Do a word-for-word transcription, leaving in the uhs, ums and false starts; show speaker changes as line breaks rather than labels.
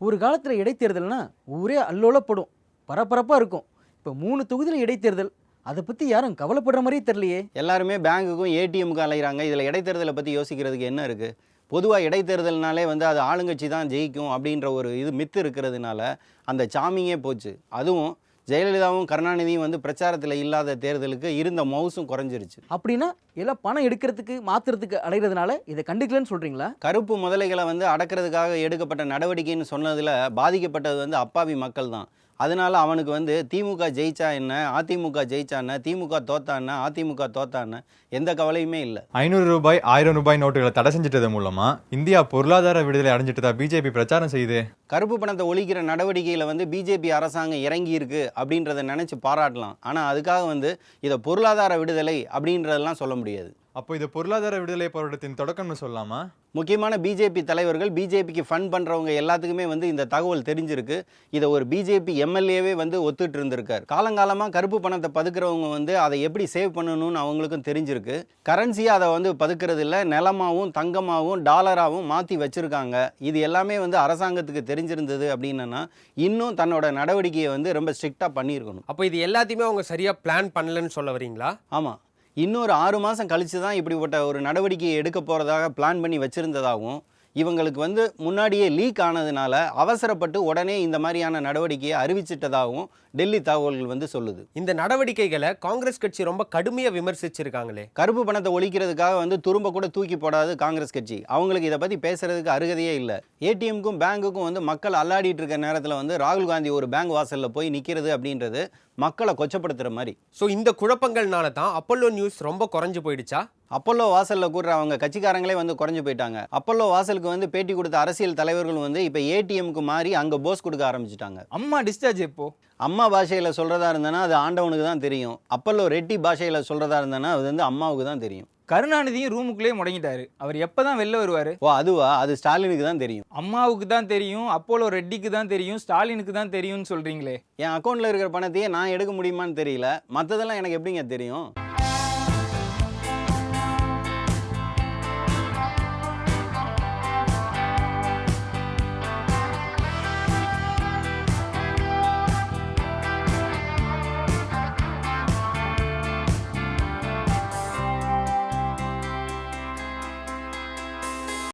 ஒரு காலத்தில் இடைத்தேர்தல்னா ஊரே அல்லோலப்படும், பரபரப்பாக இருக்கும். இப்போ மூணு தொகுதியில் இடைத்தேர்தல், அதை பற்றி யாரும் கவலைப்படுற மாதிரியே தெரியலையே.
எல்லாருமே பேங்குக்கும் ஏடிஎம்முக்கும் அலைகிறாங்க. இதில் இடைத்தேர்தலை பற்றி யோசிக்கிறதுக்கு என்ன இருக்குது? பொதுவாக இடைத்தேர்தல்னாலே வந்து அது ஆளுங்கட்சி தான் ஜெயிக்கும் அப்படின்ற ஒரு இது மித்து இருக்கிறதுனால அந்த சாமியே போச்சு. அதுவும் ஜெயலலிதாவும் கருணாநிதியும் வந்து பிரச்சாரத்தில் இல்லாத தேர்தலுக்கு இருந்த மவுசும் குறைஞ்சிருச்சு.
அப்படின்னா எல்லாம் பணம் எடுக்கிறதுக்கு மாற்றுறதுக்கு அலைகிறதுனால இதை கண்டுக்கலன்னு சொல்கிறீங்களா?
கருப்பு முதலைகளை வந்து அடக்கிறதுக்காக எடுக்கப்பட்ட நடவடிக்கைன்னு சொன்னதில் பாதிக்கப்பட்டது வந்து அப்பாவி மக்கள் தான். அதனால அவனுக்கு வந்து திமுக ஜெயிச்சா என்ன, அதிமுக ஜெயிச்சா என்ன, திமுக தோத்தா என்ன, அதிமுக தோத்தா என்ன, எந்த கவலையுமே இல்லை.
ஐநூறு ரூபாய் ஆயிரம் ரூபாய் நோட்டுகளை தடை செஞ்சிட்டது மூலமா இந்தியா பொருளாதார விடுதலை அடைஞ்சிட்டதா பிஜேபி பிரச்சாரம் செய்யுது.
கருப்பு பணத்தை ஒழிக்கிற நடவடிக்கையில் வந்து பிஜேபி அரசாங்கம் இறங்கி இருக்கு அப்படின்றத நினைச்சு பாராட்டலாம். ஆனால் அதுக்காக வந்து இதை பொருளாதார விடுதலை அப்படின்றதெல்லாம் சொல்ல முடியாது.
அப்போ இது பொருளாதார விடுதலை போராட்டத்தின் தொடக்கம்னு சொல்லலாமா?
முக்கியமான பிஜேபி தலைவர்கள், பிஜேபிக்கு ஃபண்ட் பண்ணுறவங்க எல்லாத்துக்குமே வந்து இந்த தகவல் தெரிஞ்சிருக்கு. இதை ஒரு பிஜேபி எம்எல்ஏவே வந்து ஒத்துட்டு இருந்திருக்கார். காலங்காலமாக கருப்பு பணத்தை பதுக்கிறவங்க வந்து அதை எப்படி சேவ் பண்ணணும்னு அவங்களுக்கும் தெரிஞ்சிருக்கு. கரன்சியாக அதை வந்து பதுக்கிறது இல்லை, நிலமாகவும் தங்கமாகவும் டாலராகவும் மாற்றி வச்சுருக்காங்க. இது எல்லாமே வந்து அரசாங்கத்துக்கு தெரிஞ்சிருந்தது அப்படின்னா இன்னும் தன்னோட நடவடிக்கையை வந்து ரொம்ப ஸ்ட்ரிக்டாக பண்ணியிருக்கணும்.
அப்போ இது எல்லாத்தையுமே அவங்க சரியாக பிளான் பண்ணலன்னு சொல்ல வரீங்களா?
ஆமாம், இன்னொரு ஆறு மாதம் கழித்து தான் இப்படிப்பட்ட ஒரு நடவடிக்கையை எடுக்க போகிறதாக பிளான் பண்ணி வச்சுருந்ததாகவும், இவங்களுக்கு வந்து முன்னாடியே லீக் ஆனதுனால அவசரப்பட்டு உடனே இந்த மாதிரியான நடவடிக்கையை அறிவிச்சிட்டதாகவும் டெல்லி தகவல்கள் வந்து சொல்லுது.
இந்த நடவடிக்கைகளை காங்கிரஸ் கட்சி ரொம்ப கடுமையாக விமர்சிச்சிருக்காங்களே.
கருப்பு பணத்தை ஒழிக்கிறதுக்காக வந்து துரும்ப கூட தூக்கி போடாது காங்கிரஸ் கட்சி. அவங்களுக்கு இதை பற்றி பேசுறதுக்கு அருகதையே இல்லை. ஏடிஎம்க்கும் பேங்குக்கும் வந்து மக்கள் அல்லாடிட்டு இருக்க நேரத்தில் வந்து ராகுல் காந்தி ஒரு பேங்க் வாசலில் போய் நிற்கிறது அப்படின்றது மக்களை கொச்சப்படுத்துகிற மாதிரி.
ஸோ இந்த குழப்பங்கள்னால தான் அப்பல்லோ நியூஸ் ரொம்ப குறைஞ்சு போயிடுச்சா?
அப்பல்லோ வாசலில் கூடுற அவங்க கட்சிக்காரங்களே வந்து குறைஞ்சு போயிட்டாங்க. அப்பல்லோ வாசலுக்கு வந்து பேட்டி கொடுத்த அரசியல் தலைவர்கள் வந்து இப்போ ஏடிஎம்க்கு மாறி அங்கே போஸ் கொடுக்க ஆரம்பிச்சிட்டாங்க.
அம்மா டிஸ்சார்ஜ் எப்போ?
அம்மா பாஷையில் சொல்கிறதா இருந்தேன்னா அது ஆண்டவனுக்கு தான் தெரியும். அப்பல்லோ ரெட்டி பாஷையில் சொல்கிறதா இருந்தேன்னா அது வந்து அம்மாவுக்கு தான் தெரியும்.
கருணாநிதியும் ரூமுக்குள்ளே முடங்கிட்டாரு. அவர் எப்போ தான் வெளில வருவார்?
ஓ அதுவா? அது ஸ்டாலினுக்கு தான் தெரியும்.
அம்மாவுக்கு தான் தெரியும், அப்போலோ ரெட்டிக்கு தான் தெரியும், ஸ்டாலினுக்கு தான் தெரியும்னு சொல்கிறீங்களே.
என் அக்கௌண்ட்டில் இருக்கிற பணத்தையே நான் எடுக்க முடியுமான்னு தெரியல, மற்றதெல்லாம் எனக்கு எப்படிங்க தெரியும்?